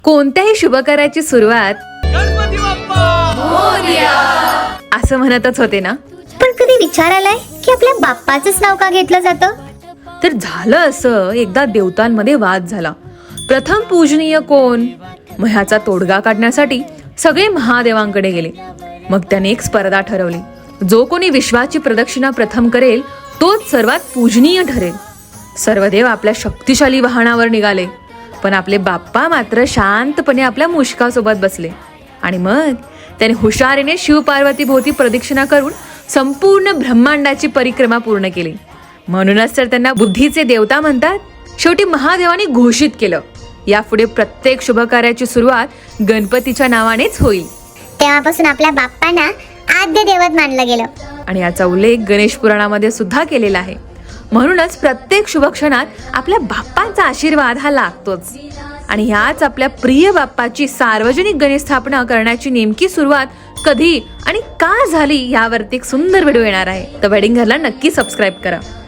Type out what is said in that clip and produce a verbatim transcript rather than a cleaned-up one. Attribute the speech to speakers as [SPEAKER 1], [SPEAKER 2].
[SPEAKER 1] कोणत्याही शुभकार्याची सुरुवात
[SPEAKER 2] गणपती बाप्पा
[SPEAKER 1] मोरया असं म्हणतच होते ना.
[SPEAKER 3] पण कधी विचार आलाय की आपल्या बाप्पाचंच नाव का घेतलं जातं?
[SPEAKER 1] तर झालं असं, एकदा देवतांमध्ये वाद झाला. प्रथम पूजनीय कोण? मग ह्याचा तोडगा काढण्यासाठी सगळे महादेवांकडे गेले. मग त्याने एक स्पर्धा ठरवली. जो कोणी विश्वाची प्रदक्षिणा प्रथम करेल तोच सर्वात पूजनीय ठरेल. सर्व देव आपल्या शक्तिशाली वाहनावर निघाले, पण आपले बाप्पा मात्र शांतपणे आपल्या मुष्कासोबत बसले. आणि मग त्याने हुशारीने शिव पार्वती भोवती प्रदक्षिणा करून संपूर्ण ब्रह्मांडाची परिक्रमा पूर्ण केली. म्हणूनच तर त्यांना बुद्धीचे देवता म्हणतात. शेवटी महादेवाने घोषित केलं, यापुढे प्रत्येक शुभकार्याची सुरुवात गणपतीच्या नावानेच होईल.
[SPEAKER 3] तेव्हापासून आपल्या बाप्पांना आद्य दैवत मानलं गेलं.
[SPEAKER 1] आणि याचा उल्लेख गणेश पुराणामध्ये सुद्धा केलेला आहे. म्हणूनच प्रत्येक शुभक्षणात आपल्या बाप्पांचा आशीर्वाद हा लागतोच. आणि ह्याच आपल्या प्रिय बाप्पाची सार्वजनिक गणेश स्थापना करण्याची नेमकी सुरुवात कधी आणि का झाली यावरती एक सुंदर व्हिडिओ येणार आहे. तर वेडिंग घरला नक्की सबस्क्राईब करा.